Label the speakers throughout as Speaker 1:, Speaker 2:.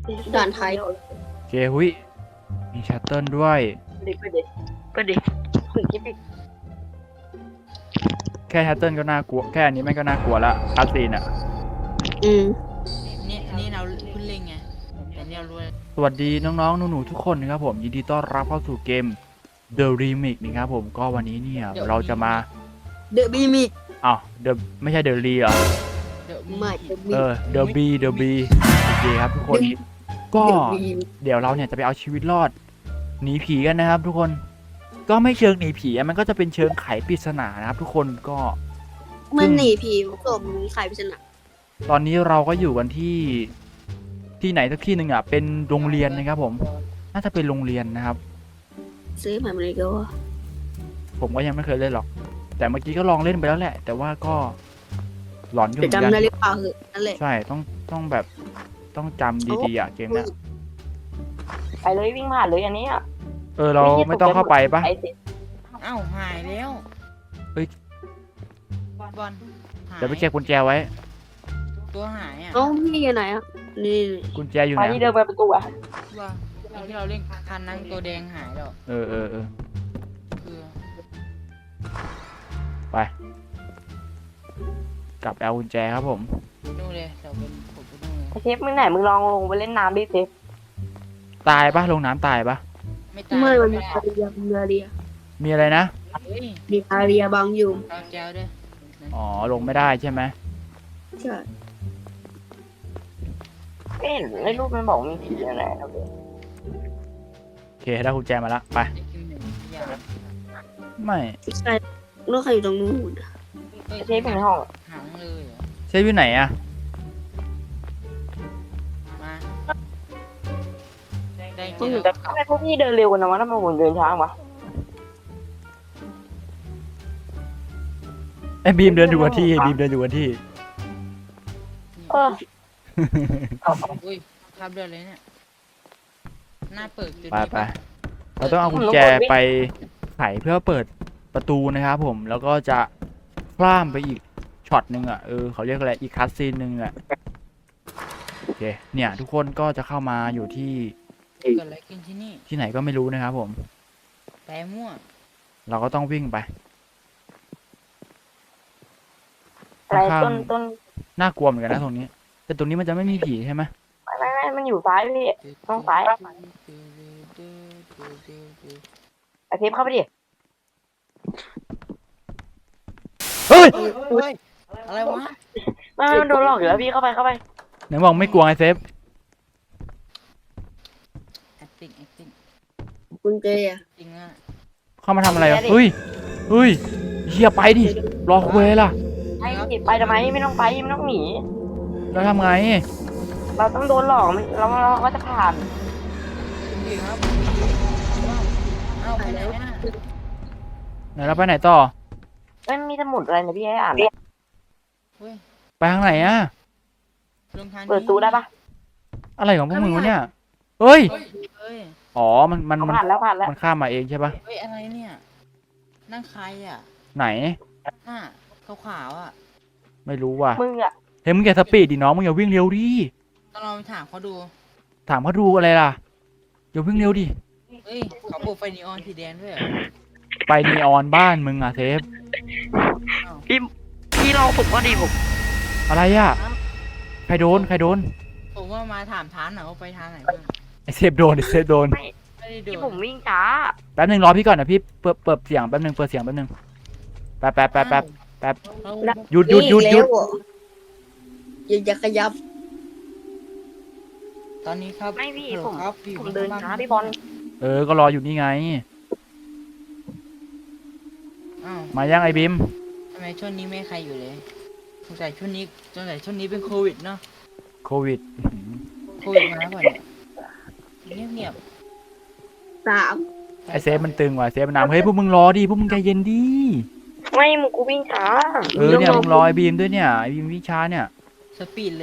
Speaker 1: ด่านไทย
Speaker 2: โอเคหุยมีชัตเติลด้วย
Speaker 3: ก็ดิคุยกิ๊บอีก
Speaker 2: แค่ชัตเติลก็น่ากลัวแค่อันนี้แม่งก็น่ากลัวละคาสซีนอะ
Speaker 1: อืม
Speaker 4: นี่เราเพิ่งเล่นไงแต่เนี่ยรู้
Speaker 2: สวัสดีน้องๆหนูๆทุกคนนะครับผมยินดีต้อนรับเข้าสู่เกม The Remix นะครับผมก็วันนี้เนี่ยเราจะมา
Speaker 1: เดอะบีมิก
Speaker 2: อ้าว The ไม่ใช่ The Re เหรอ
Speaker 4: เดี๋ยว
Speaker 1: ไม่เดอะบี
Speaker 2: The B The B โอเคครับทุกคนก็ เดี๋ยวเราเนี่ยจะไปเอาชีวิตรอดหนีผีกันนะครับ ทุกคนก็ไม่เชิงหนีผีอะมันก็จะเป็นเชิงไขปริศนานะครับทุกคนก็
Speaker 1: มันหนีผีศพมีใครไปชนะ
Speaker 2: ตอนนี้เราก็อยู่กันที่ไหนสักที่หนึ่งอ่ะเป็นโรงเรียนนะครับผมน่าจะเป็นโรงเรียนนะครับ
Speaker 1: ซื้อใหม่มาเลยก็ว่า
Speaker 2: ผมก็ยังไม่เคยเล่นหรอก แต่เมื่อกี้ก็ลองเล่นไปแล้วแหละ แต่ว่าก็หลอนอยู่เหมือนกั
Speaker 1: จะจำได้
Speaker 2: น
Speaker 1: หรือเปล่าเหอะนั่นแหละ
Speaker 2: ใช่ต้องแบบต้องจำดีๆอ่ะเกมเนี้ย
Speaker 3: ไปเลยวิ่งผ่านเลยอันนี้อ่ะ
Speaker 2: เราไม่ต้องเข้าไปปะ
Speaker 3: ไอ้สิ
Speaker 4: เอ้าหายแล้ว
Speaker 2: เอ้ย
Speaker 4: บอลหาย
Speaker 2: เดี๋ยวไปเก็บกุญแจไว้
Speaker 4: ตัวหายอ่ะ
Speaker 1: เอ้าพี่อยู่ไหนอ่ะนี่
Speaker 2: กุญแจอยู่
Speaker 3: ไป
Speaker 2: ไหน
Speaker 3: ที่เดินไปประตูอ่ะ
Speaker 4: ว่าตอนที่เราเล่นคันนั้นตัวแดงหายแล้ว
Speaker 2: เออ
Speaker 4: คือ
Speaker 2: ไปกลับเอากุญแจครับผม
Speaker 4: นู่นเลยเดี๋ยวเป็นผมไปนู่นเลย
Speaker 3: ไอ้เชฟมึงไหนมึงลองลงไปเล่นน้ำดิเชฟ
Speaker 2: ตายปะลงน้ำตายปะ
Speaker 4: ไม่ตาย
Speaker 1: เมื่อมันมี
Speaker 4: ไ
Speaker 1: อาเรียมีอาเรีย
Speaker 2: มีอะไรนะ
Speaker 4: เฮ้ย
Speaker 1: มีอาเรียบางอยู่
Speaker 4: เอาแก้วด้วย
Speaker 2: อ๋อลงไม่ได้ใช่ไหม
Speaker 1: ใช่
Speaker 3: ไม่เห็นในรูปมันบอกมีผีอะไรนะเว้ย
Speaker 2: โอเคได้กุญแจมาละไป
Speaker 4: ไอ้คิวหนึ่งอย่า
Speaker 2: ไม่
Speaker 1: ใช่ลูกใครอยู่ตรงนู้น
Speaker 4: เฮ้ย
Speaker 3: ไอ้เชฟอยู่ในห้องอะ
Speaker 4: หางเลยเหรอ
Speaker 2: เชฟอยู่ไหนอะ
Speaker 4: มาได้
Speaker 3: มึง
Speaker 4: เจ
Speaker 3: อยู่
Speaker 4: อ
Speaker 3: แต่ทำไมพวกพี่เดินเร็วกันนะวะทำไมผมเดินช้าวะ
Speaker 2: ไอ้บีมเดินอยู่กันที่บีมเดินอยู่กันที่
Speaker 3: เออ
Speaker 4: อุ้ยภาพเดือดเลยเนี่ยหน้าเปิดจุด
Speaker 2: ไป
Speaker 4: นี้
Speaker 2: ไปเราต้องเอากุญแจไปไขเพื่อเปิดประตูนะครับผมแล้วก็จะข้ามไปอีกช็อตหนึ่งอ่ะเขาเรียกอะไรอีกคัสซีนหนึ่งอ่ะโอเคเนี่ยทุกคนก็จะเข้ามาอยู่ที่
Speaker 4: เกิดอะไรขึ้นที่นี่
Speaker 2: ที่ไหนก็ไม่รู้นะครับผม
Speaker 4: แปรมั่ว
Speaker 2: เราก็ต้องวิ่งไป
Speaker 3: อะไร
Speaker 2: ข้าง
Speaker 3: ต้น
Speaker 2: น่ากลัวเหมือนกันนะตรงนี้ แต่ตรงนี้มันจะไม่มีผีใช่ไหม
Speaker 3: ไม่มันอยู่ซ้ายพี่ ต้องซ้าย ไอ้เชฟเข้าไปดิ
Speaker 2: เฮ้ย
Speaker 4: เฮ้ยอะไรวะ
Speaker 3: ไม่มันโดนหลอกอยู่แล้วพี่เข้าไป
Speaker 2: ไหนบอกไม่กลัวไงเซฟ
Speaker 4: acting
Speaker 1: คุณเจอ่ะ
Speaker 4: จริงอ่ะ
Speaker 2: เข้ามาทำอะไรอ่ะเฮ้ยเฮียไปดิรอคุยล่ะ
Speaker 3: ไอ้ไปทำไมไม่ต้องไปไม่ต้องหนี
Speaker 2: แล้วทำไง
Speaker 3: เราต้องโดนหลอกเราก็จะผ่าน
Speaker 4: คุณดีครับเอาไปไหนอ่ะ
Speaker 2: ไหนเราไปไหนต่อ
Speaker 3: ไม่มีสมุดอะไรนะพี่ให้อ่าน
Speaker 4: เฮ้ย
Speaker 2: ไปทางไหนอ่ะ
Speaker 4: ลงทางนี้
Speaker 3: เปิดตู้ได้ปะ
Speaker 2: อะไรของพวกมึงวะเนี่ยเฮ้ย
Speaker 4: เฮ้ย
Speaker 2: อ๋อมัน
Speaker 3: ผ่านแล้ว
Speaker 2: มันข้ามมาเองใช่ปะ
Speaker 4: เฮ้ยอะไรเนี่ยนั่งใครอ่ะ
Speaker 2: ไหน
Speaker 4: หน้าขาวๆอ่ะ
Speaker 2: ไม่รู้ว่ะ
Speaker 3: มึงอะ
Speaker 2: เฮ้ยมึงอย่าสปีดดิน้องมึงอย่าวิ่งเร็วดิ
Speaker 4: ต้องลองไปถามเขาดู
Speaker 2: ถามเขาดูอะไรล่ะอย่าวิ่งเร็วดิ
Speaker 4: เฮ้ยเขาปลูกไฟนีออนสีแดงด้วยเหรอ
Speaker 2: ไปนีออนบ้านมึงอ่ะเซฟ
Speaker 3: พี่ลองฝึกว่าดีผม
Speaker 2: อะไรอ่ะใครโดน
Speaker 4: ผมว่ามาถามทานหน่อยว่าไปทางไหนบ้าง
Speaker 2: ไอเซฟโดน
Speaker 4: ไม่ได้โด
Speaker 3: พี่
Speaker 4: น
Speaker 3: ผมวิ่งช้า
Speaker 2: แป๊บนึงรอพี่ก่อนนะพี่เปิดเสียงแป๊บนึงเปิดเสียงแป๊บนึงแป๊บ
Speaker 4: เอา
Speaker 2: หยุด
Speaker 1: อย่าขยับ
Speaker 4: ตอนนี้ครับ
Speaker 3: ไม่พี่
Speaker 4: ฮัลโหล
Speaker 3: ผม
Speaker 4: ครับอยู่
Speaker 3: ผมเดิน
Speaker 4: ข้ง
Speaker 3: ช้า
Speaker 4: ล่ง
Speaker 3: พี่บอล
Speaker 2: ก็รออยู่นี่ไง
Speaker 4: อ้าว
Speaker 2: มายังไอบิม
Speaker 4: ทำไมช่วงนี้ไม่ใครอยู่เลยสงสัยช่วงนี้เป็นโควิดเนาะ
Speaker 2: โควิด
Speaker 4: โควิดมาแล้วก่อนเนี่ยเงียบ
Speaker 1: สาม
Speaker 4: ๆ
Speaker 2: ไอเซฟมันตึงว่ะเซฟมันนำเฮ้ยพวกมึงรอดิพวกมึงใจเย็นดิ
Speaker 3: ไม่มึงกูวิ่งช้า
Speaker 2: เนี่ยมึงรอไอบีมด้วยเนี่ยไอบีมวิชาเนี่ย
Speaker 4: สปีดเลย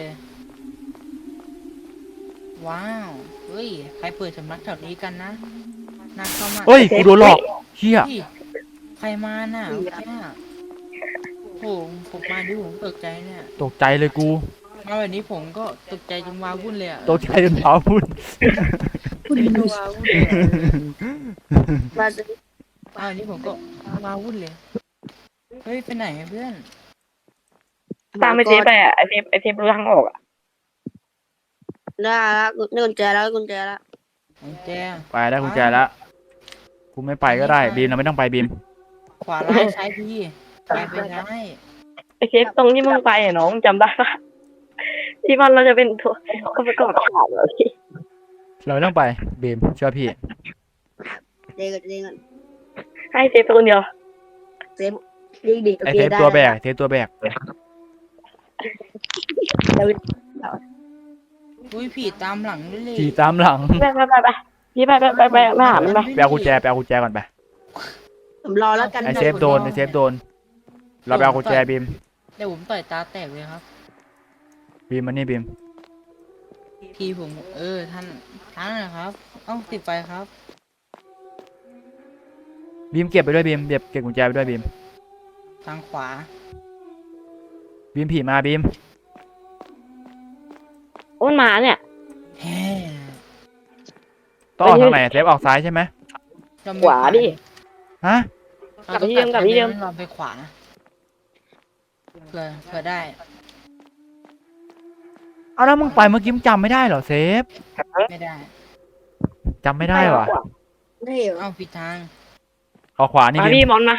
Speaker 4: ว้าวเฮ้ยใครเปิดสำนักแถวนี้กันนะน่าเข้ามา
Speaker 2: เฮ้ยกูโดนหลอกเฮีย
Speaker 4: เฮ้ยใครมาน่ะเมื่อกี้น่ะโอ้โหผมมาดิผมตกใจเนี่ย
Speaker 2: ตกใจเลยกู
Speaker 4: มาแบบนี้ผมก็ตกใจจนว้าวุ่นเลยอ่ะ
Speaker 2: ตกใจจนเท้าพุ่น
Speaker 4: ไม่รู้ว้าวุ่นเลยอะ
Speaker 1: มาจะ
Speaker 4: มาแบบนี้ผมก็ว้าวุ่นเลยเฮ้ยไปไหนอะเพื่อน
Speaker 3: ตามไปเซฟไปอ่ะไอเซฟรู้ทางออกอ่ะ
Speaker 1: ได้แล้วนี่กุญแจแล้วกุญแจแล้ว
Speaker 4: กุญแจ
Speaker 2: ไปได้กุญแจแล้วกูไม่ไปก็ได้บีมเราไม่ต้องไปบีม
Speaker 4: ขวาร้ายซ้ายดีไปได้
Speaker 3: ไอเซฟตรงที่มึงไปอ่ะน้องจำได้ปะที่มันเราจะเป็นตัวก็ไปกอดขาดเลยพี่
Speaker 2: เราไม่ต้องไปบีมเชื่อพี่
Speaker 1: เด็กเด็กกัน
Speaker 3: ให้เซฟไปคนเดียว
Speaker 1: เซฟดีดี
Speaker 2: ไอเซฟตัวแบกเซฟตัวแบก
Speaker 4: อุ้ยผีตามหลังด้วยเลย
Speaker 2: ขี่ตามหลัง
Speaker 3: ไปพี่ไปหามันไป
Speaker 2: ไปเอากุญแจก่อนไป
Speaker 1: ผมรอแล้วกัน
Speaker 2: ไอเซฟโดนเราไปเอากุญแจบีม
Speaker 4: เดี๋ยวผมต่อยตาแตกเลยครับ
Speaker 2: บีมมันนี่บีม
Speaker 4: พี่ผมท่านนะครับเอ้าติดไฟครับ
Speaker 2: บีมเก็บไปด้วยบีมเก็บกุญแจไปด้วยบีม
Speaker 4: ทางขวา
Speaker 2: บีมผีมาบีม
Speaker 3: โอ้ยมาเนี่ย
Speaker 4: แฮ่
Speaker 2: ต้องออกทางไหนเซฟออกซ้ายใช่ไหม
Speaker 3: ขวาดิ
Speaker 2: ฮะ
Speaker 4: เราต้อง
Speaker 3: กลับที่เดิม
Speaker 4: เราไปขวาเพื่อได้
Speaker 2: เอาแล้วมึงไปเมื่อกี้มึงจำไม่ได้เหรอเซฟ
Speaker 4: ไม่ได้
Speaker 2: จำไม่ได้เหรอ
Speaker 1: เท่เหรอ
Speaker 4: เอ้าผิดทาง
Speaker 2: ออกขวานี่
Speaker 3: มา
Speaker 2: บี
Speaker 3: พี่
Speaker 2: ม
Speaker 3: มอนมา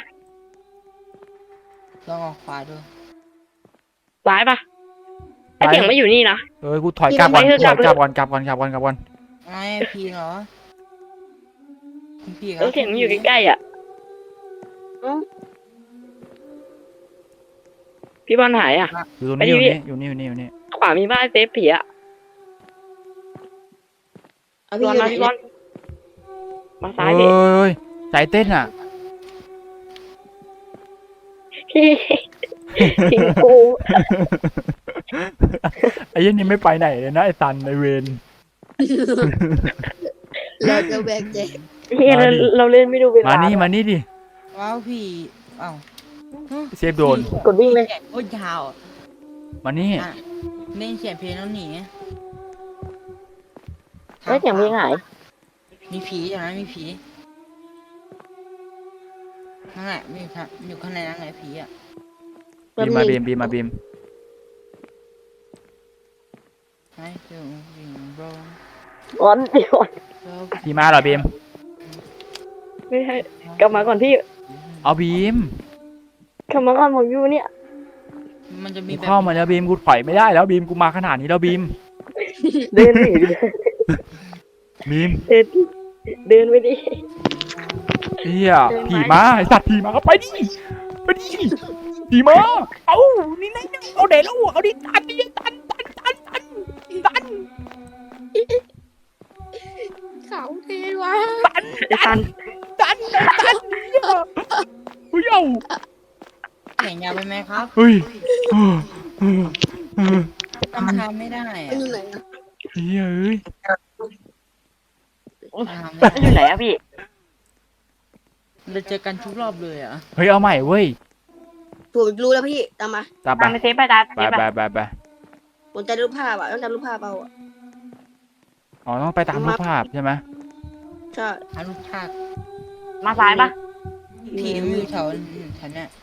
Speaker 4: ลองออกขวาดู
Speaker 3: ซ้ายปะไอเสียงไม่อยู่นี่นะ
Speaker 2: กูถอยกลับก่อน
Speaker 3: พี่
Speaker 2: ถอย
Speaker 3: ไม่
Speaker 2: กลับก่อนกลับก่อน
Speaker 4: ไอ้พีเหรอคุณพีครั
Speaker 3: ไอเสียงมันอยู่ใกล้ๆอ่ะพี่บอลหายอ่ะ
Speaker 2: อยู่ตรงนี้อยู่นี่
Speaker 3: ขวามีบ้านเซฟผีอ่ะ
Speaker 1: เอา
Speaker 3: พี่
Speaker 1: พี่
Speaker 3: บอล
Speaker 1: อยู่
Speaker 3: มาพี่บอลมา
Speaker 2: เฮ้
Speaker 3: ซ้ายพี่
Speaker 2: ยใจเต้นอ่ะ
Speaker 3: พี่ทิ้งกู
Speaker 2: ไอ้ยันนี่ไม่ไปไหนเลยนะไอ้ตันไอเวน
Speaker 1: เราจะแบกแจก
Speaker 3: เฮียเราเล่นไม่ดูเวลา
Speaker 2: มานี่ดิ
Speaker 4: ว้าวพี่เอ้า
Speaker 2: เซฟโดน
Speaker 3: กดวิ่งเลย
Speaker 4: แขนโคตรยาวอะ
Speaker 2: มานี่
Speaker 4: อ่ะเล่นเขียนเพลงแล้วหนี
Speaker 3: ไอเสียงเพลงหาย
Speaker 4: มีผีอย่างนั้นมีผีนั่นแหละมีอยู่ข้างในนั่นแหละผีอ่ะ
Speaker 2: บีมมาบีม
Speaker 4: ให้ดูวิ่งโรย
Speaker 3: บอลเดี๋ยว
Speaker 4: แล้ว
Speaker 2: พี่มาเหรอบีม
Speaker 3: ไม่ให้กลับมาก่อนพี่
Speaker 2: เอาบีม
Speaker 3: กลับมาก่อนผมอยู่เนี่ย
Speaker 4: มันจะมี
Speaker 2: กู
Speaker 4: แบบ
Speaker 2: เข้ามาแล้วบีมกูถอยไม่ได้แล้วบีมกูมาขนาดนี้แล้วบีม
Speaker 3: เดินหนีดิ
Speaker 2: บีม
Speaker 3: เดินไปดิ
Speaker 2: เฮียผีมาไอสัตว์ผีมาไปดิผีมาเอานี่ไงเอาเด็ดแล้วเอาดิตัน
Speaker 1: เขาเท่ว่ะ
Speaker 3: ไอ้ตัน
Speaker 2: เฮ้ยเอา
Speaker 4: แข่งยาวไปไหมครับ
Speaker 2: เฮ้ย
Speaker 4: ทำไม่ได้
Speaker 1: มั
Speaker 4: อะ
Speaker 1: นอยู่ไหนอะ
Speaker 2: เฮ้ยเอ้ย
Speaker 4: ทำไม่
Speaker 3: อยู่ไหนอะพี่
Speaker 4: เราเจอกันทุกรอบเลยอ่ะ
Speaker 2: เฮ้ยเอาใหม่เว้ย
Speaker 1: ผมรู้แล้วพี่ตามมา
Speaker 2: ตามไป
Speaker 3: ตามไปเซฟไปตาม
Speaker 2: ไป
Speaker 1: ผมจะรูปภาพอ่ะต้องจำรูปภาพเอาอ่ะ
Speaker 2: อ๋อต้องไปตามรูปภาพใช่ไหม
Speaker 1: ใช่
Speaker 4: อารุภาค
Speaker 3: มาซ้ายปะ
Speaker 4: ผีมันอยู่แถวเนี้ย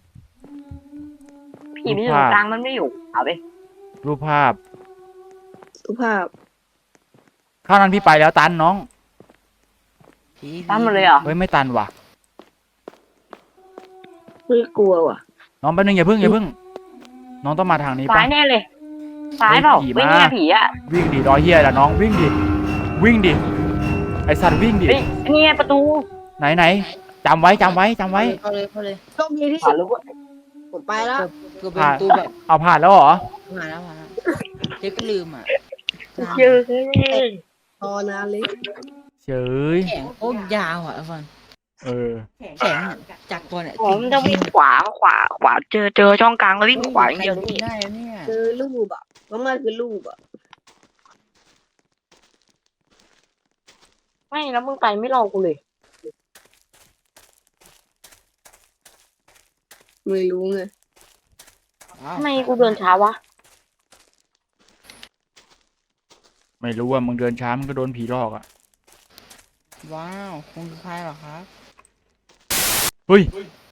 Speaker 3: ผีมันอยู่ตรงกลางมันไม่อยู่เอาไป
Speaker 2: รูปภาพ
Speaker 1: รูปภาพ
Speaker 2: ข้าวนั้นพี่ไปแล้วตันน้อง
Speaker 4: ผี
Speaker 3: ตามมาเลยเหรอ
Speaker 2: เฮ้ยไม่ตันว่ะ
Speaker 1: ไม่กลัวว่ะ
Speaker 2: น้องแป๊บนึงอย่าเพิ่งน้องต้องมาทางนี้
Speaker 3: ซ้า
Speaker 2: ปะ
Speaker 3: ยแน่เลยซ้ายเปล่า
Speaker 2: ผีมา
Speaker 3: วิ่งเนี่ยผีอะ
Speaker 2: วิ่งดิรอยเฮียละน้องวิ่งดิไอสัตว์วิ่งดิ
Speaker 3: เฮ้ยนี่ไงประตู
Speaker 2: ไหนจำไว้
Speaker 4: เข้าเลย
Speaker 1: โชคดีที่
Speaker 3: ผ่านรู้ว่า
Speaker 1: ผมไปแล้ว
Speaker 4: เกือบเป็นตูแบบ
Speaker 2: เอาผ่านแล้วเหรอ
Speaker 4: ผ่านแล้วเจ๊ก็ลืมอ่ะ
Speaker 3: เจอ
Speaker 1: รอนานเลย
Speaker 2: เฉย
Speaker 4: แข็งโคตรยาวอ่ะฟัน
Speaker 2: เออ
Speaker 4: แข็งจากตัวเนี่ย
Speaker 3: ผมจะวิ่งขวาเจอช่องกลางแล้ววิ่งขวาอย่างเดียวนี่
Speaker 4: ได้เนี่ย
Speaker 1: คือรูปอ่ะว่ามันคือรูปอ่ะ
Speaker 3: ไม่แล้วมึงไปไม่รอกูเลย
Speaker 1: ไม่รู้ไง
Speaker 3: ทำไมกูเดินช้าวะ
Speaker 2: ไม่รู้ว่ามึงเดินช้ามึงก็โดนผีหลอกอ่ะ
Speaker 4: ว้าวคงคือใครเหรอครับ
Speaker 2: เฮ้ย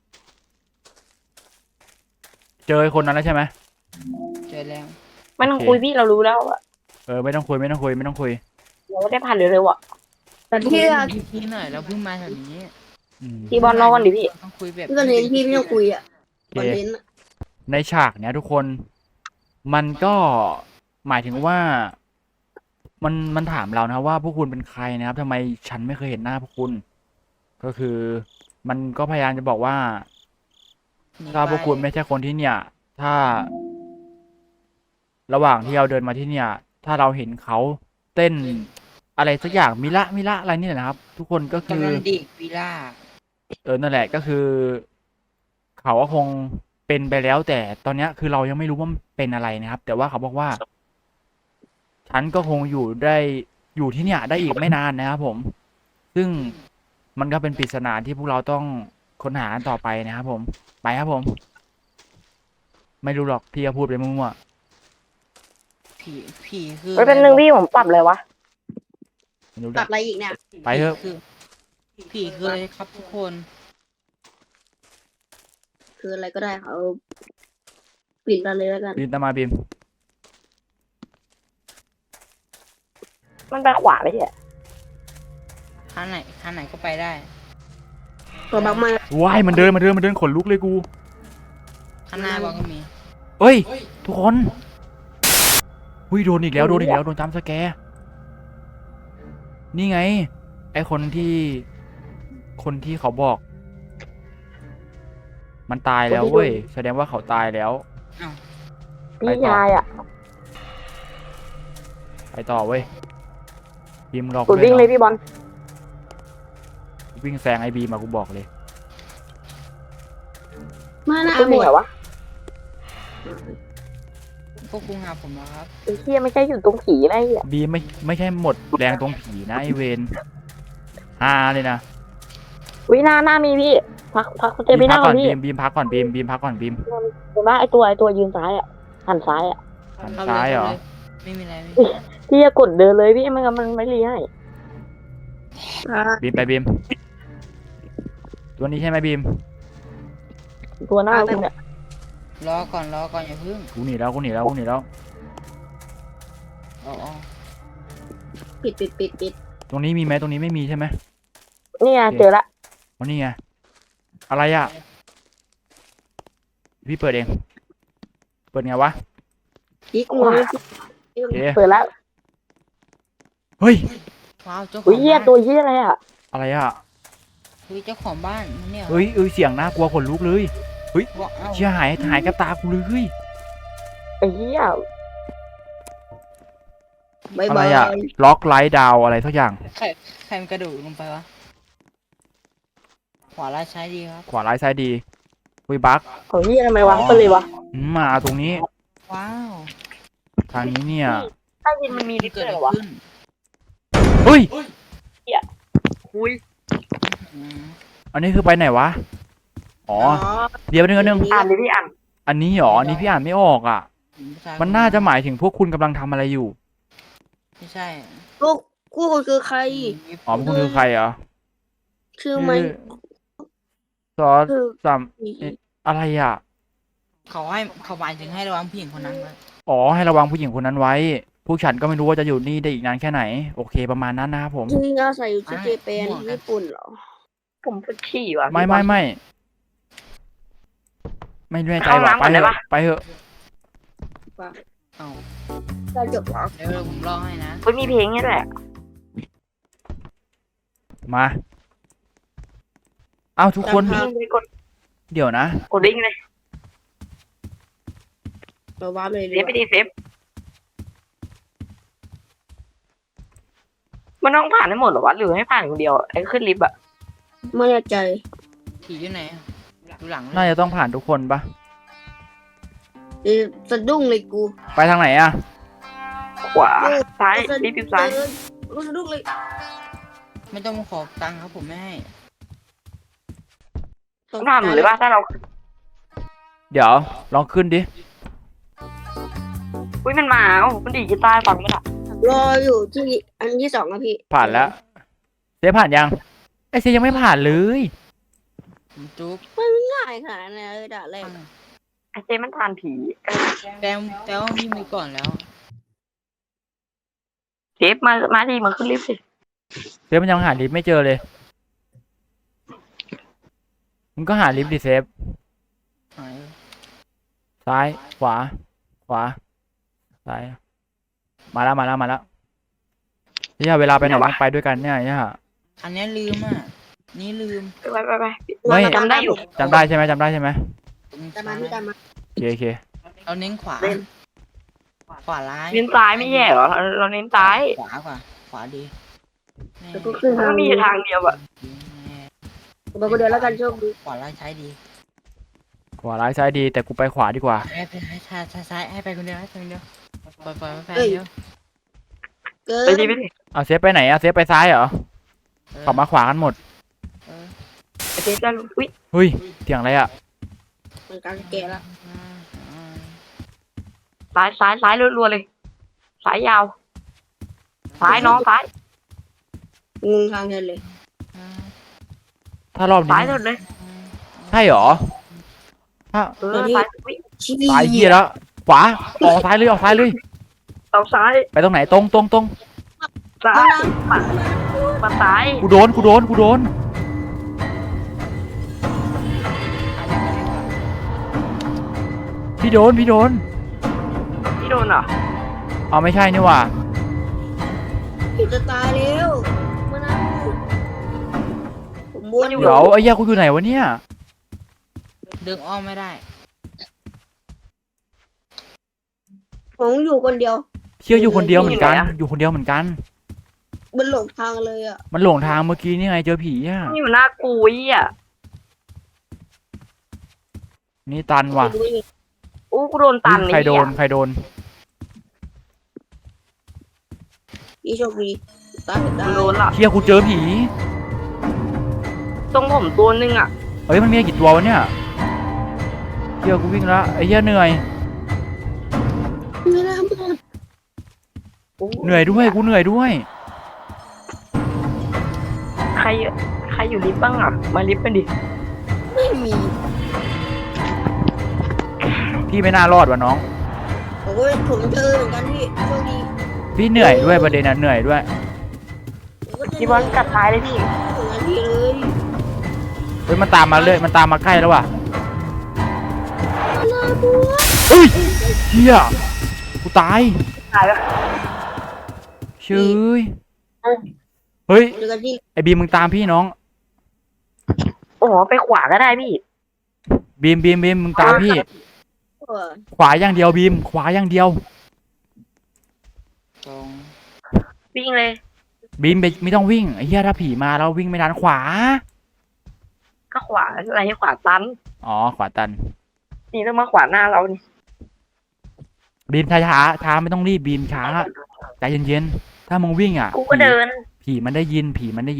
Speaker 2: เจอไอ้คนนั้นแล้วใช่ไหม
Speaker 4: เจอแล้ว
Speaker 3: ไม่ต้องคุยพี่เรารู้แล้วอะ
Speaker 2: ไม่ต้องคุยไม่ต้องคุยไม่ต้องคุย
Speaker 3: เราไม่ได้ผ่านเร็วๆอะ
Speaker 1: แต่ที่
Speaker 4: พี่หน่อยเราเพิ่งมาแถวนี้
Speaker 3: พี่บอลรอก่อนดิพี่
Speaker 4: ต้องคุยแบบ
Speaker 1: พี่ก็เน้นพี่ไม่ต้องคุยอ่ะ
Speaker 2: โอ
Speaker 1: คอน
Speaker 2: เค
Speaker 1: เทนต์อะ
Speaker 2: ในฉากเนี้ยทุกคนมันก็หมายถึงว่ามันถามเรานะว่าพวกคุณเป็นใครนะครับทำไมฉันไม่เคยเห็นหน้าพวกคุณ ก็คือมันก็พยายามจะบอกว่า ถ้าพวกคุณไม่ใช่คนที่เนี่ย ถ้า ระหว่างที่เราเดินมาที่เนี่ย ถ้าเราเห็นเขาเต้นอะไรสักอย่างมิละอะไรนี่แหละนะครับ ทุกคนก็คื
Speaker 4: กำ
Speaker 2: อ
Speaker 4: ลังดิกวิล่า
Speaker 2: นั่นแหละก็คือ เขาก็คงเป็นไปแล้ว แต่ตอนเนี้ยคือเรายังไม่รู้ว่ามันเป็นอะไรนะครับ แต่ว่าเขาบอกว่า ฉันก็คงอยู่ที่เนี่ย ได้อีกไม่นานนะครับผม ซึ่งมันก็เป็นปริศนาที่พวกเราต้องค้นหาต่อไปนะครับผม ไปครับผม ไม่รู้หรอกพี่ก็พูดไปมั่ว
Speaker 4: ผีคือ
Speaker 3: ไม่เป็นหนึ่งพี่ผมปรับเลยวะ
Speaker 2: ๆไม่รู้
Speaker 1: ป
Speaker 2: หร
Speaker 1: รั
Speaker 2: อบ ก
Speaker 1: อะไรอีกเนี่ย
Speaker 2: ไปเถอะ
Speaker 4: ผีคืออะไรครับทุกคน
Speaker 1: คืออะไรก็ได้เขาปิดกันเลยแล้วกัน
Speaker 2: บินตามมาบิม
Speaker 3: มันไปขวาไม่ใช่
Speaker 4: ทางไหนก็ไปได้
Speaker 1: ตัวบักมา
Speaker 2: ว้ายมันเดินขนลุกเลยกู
Speaker 4: ข้างหน้าบอลก็มี
Speaker 2: เอ้ย ทุกคนหุ้ยโดนอีกแล้วโดนจัมป์สแกร์นี่ไง ไอคนที่เขาบอก มันตายแล้วเว้ยแสดงว่าเขาตายแล้ว
Speaker 4: อ้าว
Speaker 3: พี่ชายอะ
Speaker 2: ไปต่อเว้ยบีมหลอก
Speaker 3: กดวิ่งเลยพี่บอล
Speaker 2: วิ่งแซงไอบีมากูบอกเลย
Speaker 1: มาหน้า
Speaker 3: คุณ
Speaker 1: หม
Speaker 3: มี
Speaker 1: ด
Speaker 3: เหรอวะ
Speaker 4: พวกคุณหาผมแล้วครับ
Speaker 3: ไอ้เหี้ยไม่ใช่อยู่ตรงผีนะไอ้เหี้ย
Speaker 2: บีมไม่ใช่หมดแรงตรงผีนะไอเวนฮาเลยนะ
Speaker 3: วิหน้ามีพี่พักคุณเจ
Speaker 2: บี
Speaker 3: พี่
Speaker 2: ม
Speaker 3: ห
Speaker 2: พั
Speaker 3: น้าก
Speaker 2: ก่
Speaker 3: ก่
Speaker 2: อ
Speaker 3: อน นพี่
Speaker 2: บีมพักก่อนบีมพักก่อนบีม
Speaker 3: เห็นปะไอตัวยืนซ้ายอะหันซ้ายอะ
Speaker 2: หัน
Speaker 4: เข้า
Speaker 2: ซ้าย
Speaker 4: เลย
Speaker 2: เหรอ
Speaker 4: ไม่มีอะไรไม่มี
Speaker 3: พี่จะกดเดินเลยพี่มันไม่รีให้
Speaker 2: บีมไปบีมตัวนี้ใช่ไหมบีม
Speaker 3: ตัวหน้าคุณเนี่ย
Speaker 4: รอก่อนอย่าเพิ่ง
Speaker 2: กูหนีแล้ว
Speaker 4: อ๋อ
Speaker 1: ปิด
Speaker 2: ตรงนี้มีไหมตรงนี้ไม่มีใช่ไหม
Speaker 3: นี่ไงเจอละ
Speaker 2: วันนี้ไงอะไรอ่ะพี่เปิดเอง เปิดไงวะ
Speaker 1: ยิกมือ
Speaker 2: โอเค
Speaker 3: เปิดแล้ว
Speaker 2: เฮ้ย
Speaker 4: ว้าวเจ้าขอ
Speaker 3: อุ้ย
Speaker 4: ง
Speaker 3: เหี้ย
Speaker 4: บ้าน
Speaker 3: ตัวเหี้ยอะไรอะ
Speaker 2: อะไรอ่ะ
Speaker 4: อุ้ยเจ้าของบ้านเนี่ย
Speaker 2: เฮ้ยเสียงน่ากลัวขนลุกเลย
Speaker 4: บอกเอ้า
Speaker 2: เชี่ยหายกับตากูเลย
Speaker 3: ไอ้เหี้ย
Speaker 1: บาย
Speaker 2: อะไร
Speaker 1: บาย
Speaker 2: อ่ะล็อกไลท์ดาวอะไรสักอย่าง
Speaker 4: ใครมันกระโดดลงไปวะขวาล่างซ้ายดีครับ
Speaker 2: ขวาไลท์ซ้ายดีวิบัก
Speaker 3: ของเหี้ยทำไมวะไปเลยวะ
Speaker 2: มาตรงนี้
Speaker 4: ว้าว
Speaker 2: ทางนี้เนี่ย
Speaker 3: ใต้ดินมันมีลิฟต์
Speaker 4: เกิด
Speaker 3: เล
Speaker 4: อะไร
Speaker 3: ยวะ
Speaker 4: ขึ้น
Speaker 2: เฮ้ย
Speaker 3: อุ้ย
Speaker 4: อืม
Speaker 2: อันนี้คือไปไหนวะอ๋อเดี๋ยวนึง
Speaker 3: อ่านดิพี่อ่าน
Speaker 2: อันนี้หรออันนี้พี่อ่านไม่ออกอ่ะ มันน่าจะหมายถึงพวกคุณกำลังทำอะไรอยู่
Speaker 4: ไม่ใช่
Speaker 1: ลูกคู่คุณคือใคร
Speaker 2: อ๋อพวกคุณคือใครเหรอ
Speaker 1: ชื่อไม่
Speaker 2: ซอส
Speaker 1: คือ
Speaker 2: ซัมอะไรอ่ะ
Speaker 4: เขาหมายถึงให้ระวังผู้หญิงคนนั้นไว้
Speaker 2: อ๋อให้ระวังผู้หญิงคนนั้นไว้ พวกฉันก็ไม่รู้ว่าจะอยู่นี่ได้อีกนานแค่ไหน โอเคประมาณนั้นนะครับผม
Speaker 1: จริงอาศัยอยู่ที่เจแปนญี่ปุ่นเหรอ
Speaker 3: ผมปวดฉี่ว่ะ
Speaker 2: ไม่แน่ใจ
Speaker 3: เข้า
Speaker 2: ว่ะ
Speaker 3: น้ำก่อนได้ปะ
Speaker 2: ไปเถอะ
Speaker 4: เอ้า
Speaker 1: เราจบเหรอ
Speaker 4: เดี๋ยวผมรอให้นะ
Speaker 3: เฮ้ยมีเพลงนี่แหละ
Speaker 2: มาเอาทุกคน
Speaker 3: วิ่งไปกด
Speaker 2: เดี๋ยวนะ
Speaker 3: กดวิ่งเลย
Speaker 1: เราว้าเลย
Speaker 3: เซฟไปดิเซฟมันต้องผ่านให้หมดเหรอวะหรือให้ผ่านคนเดียวไอ้ขึ้นลิฟต์อะ
Speaker 1: ไม่แน่ใจ
Speaker 4: ผีอยู่ไหนอะดูหลังเลย
Speaker 2: น่าจะต้องผ่านทุกคนปะ
Speaker 1: สะดุ้งเลยกู
Speaker 2: ไปทางไหนอ่ะ
Speaker 3: ขวาซ้ายลิฟต์ซ้าย
Speaker 1: รู้สะดุ้งเลย
Speaker 4: ไม่ต้องมาขอตังค์ครับผมไม่ให้
Speaker 3: ต้องทำหรือว่าถ้าเรา
Speaker 2: เดี๋ยวลองขึ้นดิ
Speaker 3: อุ้ยมันมามันดีดกีตาร์ฟังไม่ได้
Speaker 1: ทำรออยู่ที่อันที่สองนะพี่
Speaker 2: ผ่านแล้วเซฟผ่านยังไอเซฟยังไม่ผ่านเลย
Speaker 4: ผมจุ๊บ
Speaker 1: ง่ายขนาดนั้นเลยด่าแรก
Speaker 3: ไอเจมันทานผี
Speaker 4: แต่ว่าพี่มีก่อนแล้ว
Speaker 3: เซฟมาดิมันขึ้นลิฟต์สิ
Speaker 2: เซฟมันยังหาลิฟต์ไม่เจอเลยมึงก็หาลิฟต์ดิเซฟ
Speaker 4: หาย
Speaker 2: ซ้ายขวาซ้ายมาแล้วเนี่ยเวลาไปไหนต้องไปด้วยกันเนี่ย
Speaker 4: อันเนี้ยลืมอ่ะ นี่ลืม
Speaker 3: ไป
Speaker 2: ไม่
Speaker 3: จำได้อยู่
Speaker 2: จำได้ใช่ไหม
Speaker 1: ตามมาพี่ตามมา
Speaker 2: โอเค
Speaker 4: เราเน้นขวา ขวาร้าย
Speaker 3: เน้นซ้ายไม่แย่เหรอเราเน้นซ้าย
Speaker 4: ขวาดีแน่
Speaker 1: แล้วก็ขึ้น
Speaker 3: มัน
Speaker 1: ทาง
Speaker 3: ก็มีอยู่ทางเดียวอะ
Speaker 1: ผมไปคนเดียวแล้วกันโชคดี
Speaker 4: ขวาร้ายใช้ดี
Speaker 2: ขวาร้ายซ้ายดีแต่กูไปขวาดีกว่า
Speaker 4: ให้ไปซ้ายให้ไปคนเดียวให้ไปคนเดียวปล่อยไปเดียว
Speaker 1: เกิ
Speaker 3: ไป
Speaker 1: น
Speaker 3: ดิไปดิ
Speaker 2: เอาเซฟไปไหนอะเซฟไปซ้ายเหรอขับมาขวากันหมด
Speaker 3: ไอเจจะอุ้ย
Speaker 2: เฮ้ยเสียงอะไรอะ
Speaker 1: มันกลางแก่แล้ว
Speaker 3: ซ้ายรัวๆเลยซ้ายยาวซ้ายน้องซ้าย
Speaker 1: งงทางเดินเลย
Speaker 2: ถ้ารอบนี้
Speaker 3: ซ้ายสุดเลย
Speaker 2: ใช่เหรอถ้า
Speaker 3: ซ้ายอุ้ย
Speaker 1: ชี้
Speaker 2: ซ้ายเหี้ยแล้วขวาออกซ้ายเลย
Speaker 3: เอาซ้าย
Speaker 2: ไปตรงไหนตรง
Speaker 3: ซ้ายมาซ้าย
Speaker 2: กูโดนพี่โดน
Speaker 3: พี่โดนเหรอ
Speaker 2: เอาไม่ใช่นี่หว่า
Speaker 1: พี่จะตายแล้วมานั่งผมวนอยู่
Speaker 2: เดี๋ยวไอ้เหี้ยกูอยู่ไหนวะเนี่ย
Speaker 4: ดึงอ้อมไม่ได้
Speaker 1: ผมอยู่คนเดียว
Speaker 2: เชื่ออยู่คนเดียวเหมือนกัน
Speaker 1: มันหลงทางเลยอ่ะ
Speaker 2: มันหลงทางเมื่อกี้นี่ไงเจอผีอ่ะ
Speaker 3: นี่มันน่ากูอ่ะ
Speaker 2: นี่ตันว่ะ
Speaker 3: อู้กูโดนตัน
Speaker 2: ใครโดน
Speaker 1: พี่โชคดีตายได้
Speaker 3: โดนละ
Speaker 2: เชี่ยกูเจอผี
Speaker 3: ตรงผมตัวนึงอ่ะ
Speaker 2: เฮ้ยมันมีกี่ตัววะเนี่ยเชี่ยกูวิ่งละไอ้เหี้ยเหนื่อย
Speaker 1: ไม่น่าหมด
Speaker 2: เหนื่อยด้วยกูเหนื่อยด้วย
Speaker 3: ใครอยู่ลิฟต์บ้างอ่ะมาลิฟต์กันดิ
Speaker 1: ไม่มี
Speaker 2: พี่ไม่น่ารอดว่ะน้อง
Speaker 1: โอ้ยผมเจอเหมือนกันพี่โชคดี
Speaker 2: พี่เหนื่อยด้วยประเด็นน่ะเหนื่อยด้วย
Speaker 1: ผมก็เจ
Speaker 3: พี่บอลกัดท้ายเลยพี่
Speaker 1: เหมือนกันพี่เลย
Speaker 2: เฮ้ยมันตามมาเลยมันตามมาใกล้แล้วว่ะ
Speaker 1: น่าบัว
Speaker 2: เฮ้ยเชี่ยกูตาย
Speaker 3: ตายแล้ว
Speaker 2: เชยเฮ้ย
Speaker 1: เจอกันที่
Speaker 2: ไอ้บีมมึงตามพี่น้อง
Speaker 3: โอ้โหไปขวาก็ได้พี่
Speaker 2: บีมมึงตามพี่ ขวาอย่างเดียวบีมขวาอย่างเดียว
Speaker 4: ตรง
Speaker 3: วิ่งเลย
Speaker 2: บีมไม่ต้องวิ่งไอ้เหี้ยถ้าผีมาเราวิ่งไม่ทันขวา
Speaker 3: ก็ขวาอะไรให้ขวาตัน
Speaker 2: อ๋อขวาตัน
Speaker 3: นี่ต้องมาขวาหน้าเรานี่
Speaker 2: บีมช้าไม่ต้องรีบบีมช้าใจเย็นๆถ้ามึงวิ่งอ่ะ
Speaker 3: กูก็เดิน
Speaker 2: ผีมันได้ยิน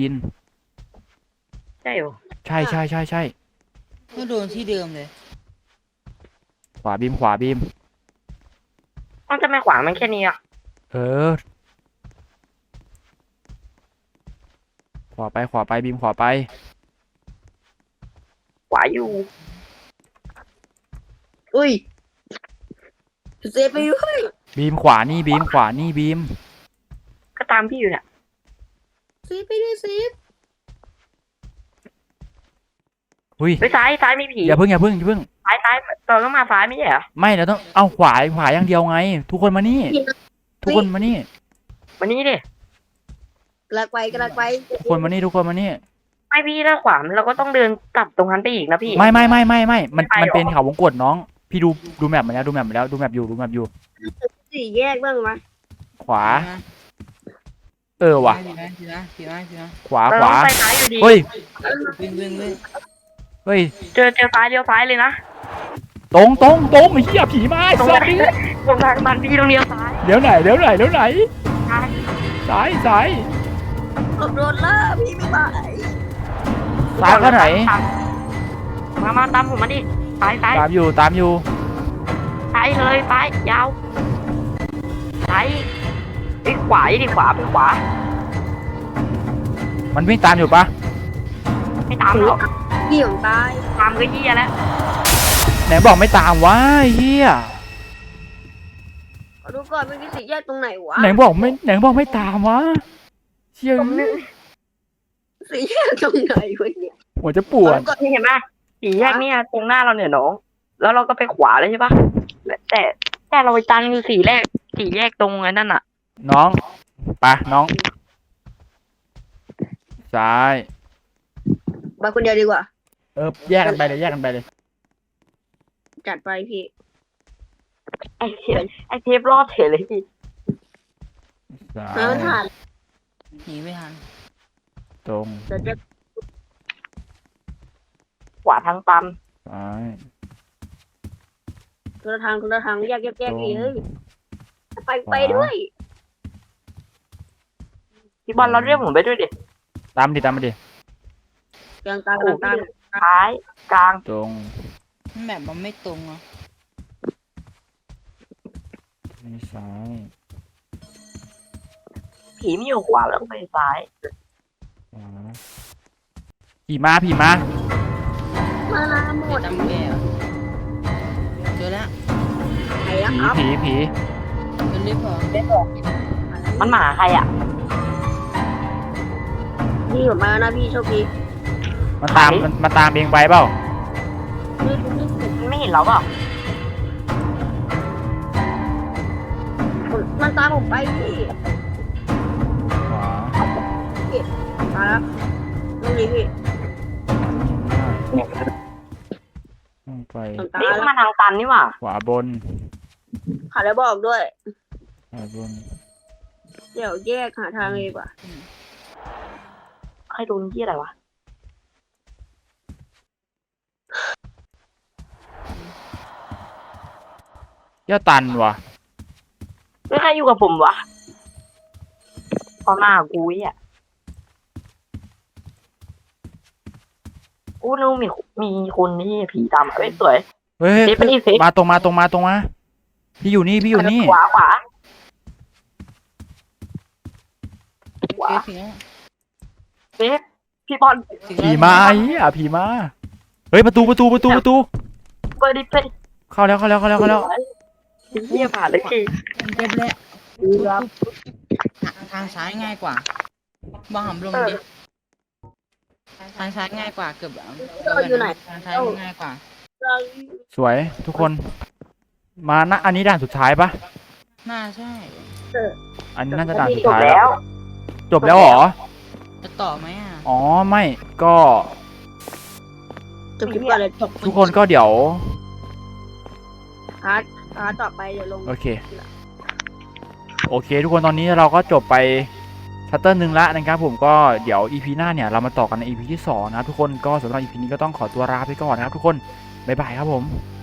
Speaker 3: ใช่เหรอ
Speaker 2: ใช่
Speaker 4: ก็โดนที่เดิมเลย
Speaker 2: ขวาบีม
Speaker 3: มันจะไม่ขวามันแค่นี้อ่ะ
Speaker 2: เออขวาไปบีมขวาไป
Speaker 3: ขวาอยู่
Speaker 1: อุ้ยเซฟไปด้วย
Speaker 2: บีมขวานี่บีม
Speaker 3: ก็ตามพี่อยู่เนี่ย
Speaker 1: เซฟไปด้วยเซฟ
Speaker 2: อุ้ย
Speaker 3: ไปซ้ายมีผี
Speaker 2: อย่าเพิ่ง
Speaker 3: ซ้ายตอนต้องมาซ้ายไม่ใช่เหรอ
Speaker 2: ไม่เราต้องเอาขวาอย่างเดียวไง ทุกคนมานี่ ทุกคนมานี่
Speaker 3: วันนี้ดิ
Speaker 1: กระไป
Speaker 2: ทุกคนมานี่
Speaker 3: ไม่พี่ถ้าขวาเราก็ต้องเดินกลับตรงนั้นไปอีกนะพี่
Speaker 2: ไม่มัน
Speaker 3: ไม่ไปหรอ
Speaker 2: เป็นเขาวงกตน้อง พี่ดูแมปมาแล้วดูแมปอยู่
Speaker 1: สี่แยกบ้างไหม
Speaker 2: ขวา ว่ะ
Speaker 4: ผีมา
Speaker 2: ขวา
Speaker 3: เราต้องไปซ้ายอยู่ดี
Speaker 2: เฮ้ย
Speaker 4: วิ่ง
Speaker 2: เฮ้ย
Speaker 3: เจอซ้ายเดียวซ้ายเลยนะ
Speaker 2: ตรงไอ้เหี้ยผีมาไอ้
Speaker 3: ตรง
Speaker 2: สั
Speaker 3: นั้
Speaker 2: ต
Speaker 3: น
Speaker 2: ว์
Speaker 3: ตรงทางบันพี่ตรงเดียวซ้าย
Speaker 2: เดี๋ยวไหน
Speaker 3: ซ้าย
Speaker 2: ซ้าย
Speaker 1: โดนล่าพี่ไม่ไหว
Speaker 2: ซ้ายก็ไหน
Speaker 3: มาตามผมมาดิซ้าย
Speaker 2: ตามอยู่
Speaker 3: ซ้ายเลยซ้ายยาวซ้ายไอ้ยขวาดิขวาไปขวา
Speaker 2: มันวิ่งตามอยู่ปะ
Speaker 3: ไม่ตามหรอก
Speaker 1: พี่ผมตาย
Speaker 3: ตามก็เหี้ยแล้ว
Speaker 2: ไหนบอกไม่ตามวะไอ้เฮีย
Speaker 1: ขอดูก่อนมันมีสี่แยกตรงไหนวะ
Speaker 2: ไหนบอกไม่ตามวะเชี่ย
Speaker 1: สี่แยกตรงไหนวะเนี่ย
Speaker 2: หัวจะปวด
Speaker 3: นี่เห็นไหมสี่แยกเนี่ยตรงหน้าเราเนี่ยน้อง แล้วเราก็ไปขวาเลยใช่ปะแต่เราไปตันคือสี่แยกตรงไอ้นั่นอ่ะ
Speaker 2: น้องไปน้องซ้าย
Speaker 1: ไปคนเดียวดีกว่า
Speaker 2: แยกกันไปเลย
Speaker 1: จัดไปพี่
Speaker 3: ไอ้เทปรอดเฉยเลยพี่
Speaker 2: ซ้า
Speaker 1: แล้วมัน
Speaker 2: ย
Speaker 1: ผ่าน
Speaker 4: หนีไม่ทัน
Speaker 2: ตรง
Speaker 1: เดี๋ยวจะ
Speaker 3: ขวาทางตัน
Speaker 2: ซ้าย
Speaker 1: คนละทางแยก
Speaker 2: ตรง
Speaker 1: อีกเฮ้ยไปด้วย
Speaker 3: พี่บอลเราเรียกผมไปด้วยดิ
Speaker 2: ตามมาดิ
Speaker 1: กลาง
Speaker 3: ท้ายกลาง
Speaker 2: ตรง
Speaker 4: แบบมันไม่ตรงอ่ะ
Speaker 2: นี่ซ้าย
Speaker 3: ผีไม่อยู่ขวาแล้วไปซ้าย
Speaker 2: ขวาผีมา
Speaker 1: มาลาหมด
Speaker 4: จำแก้วเจอแล้ว
Speaker 1: ไหนอะครับ
Speaker 2: ผี
Speaker 4: เจอลิฟต์เหรอ
Speaker 3: มันหมาใครอ่ะ
Speaker 1: พี่ผมมานะพี่โชคดี
Speaker 2: มันตามเองไปเปล่า
Speaker 3: ไม่เห็นเราเปล่า
Speaker 1: มันตามผมไปพี่
Speaker 2: ขวา
Speaker 1: มาแล้วตรงนี้พี่
Speaker 2: ต้องไป
Speaker 1: ผมตา
Speaker 3: นี่
Speaker 1: แล้ว
Speaker 3: มาทางตันนี่หว่า
Speaker 2: ขวาบน
Speaker 1: ขาแล้วบอกด้วย
Speaker 2: ขวาบน
Speaker 1: เดี๋ยวแยกหาทางเลยดีกว่า
Speaker 3: ใครโดนยี่อะไรวะ
Speaker 2: ย่าตันว่ะ
Speaker 3: ไม่ใครอยู่กับผมวะตอนหน้ากูอ่ะกูนึกมีคนที่ผีตามมาเอ้ยสวย
Speaker 2: เฮ้ย
Speaker 3: เซฟไปดิเซฟ
Speaker 2: มาตรงมาพี่อยู่นี่
Speaker 3: ขวา
Speaker 4: เจอถึงแล้ว
Speaker 3: เซฟพี่บอล
Speaker 4: ถึง
Speaker 2: ผี
Speaker 4: แล้ว
Speaker 2: มาไอ้เหี้ยผีมาเฮ้ยประตู
Speaker 3: เปิดดิเปิด
Speaker 2: เข้าแล้ว
Speaker 3: เหี้ยผ่านเลยพี่
Speaker 4: เจ็บแล้วทางซ้ายง่ายกว่าบ้าหำลงดิทางซ้ายง่ายกว่าเกือบทางซ้ายง่ายกว่า
Speaker 2: สวยทุกคนมานะอันนี้ด่านสุดท้ายปะ
Speaker 4: น่าใช่
Speaker 2: อันนี้น่าจะด่านสุด
Speaker 3: จบ
Speaker 2: ท้าย
Speaker 3: แล้ว
Speaker 2: จบแล้วเหรอ
Speaker 4: จะต่อไหมอ่ะ
Speaker 2: อ๋อไม่ก็
Speaker 1: จบคลิปก่อนเลย
Speaker 2: ทุกคนก็เดี๋ยว
Speaker 1: พาร์ทต่อไปเดี๋ยวลง
Speaker 2: โอเค ทุกคนตอนนี้เราก็จบไปชัตเตอร์หนึ่งละนะครับผมก็เดี๋ยว EP หน้าเนี่ยเรามาต่อกันใน EP ที่2นะครับทุกคนก็สำหรับ EP นี้ก็ต้องขอตัวลาไปก่อนนะครับทุกคนบ๊ายบายครับผม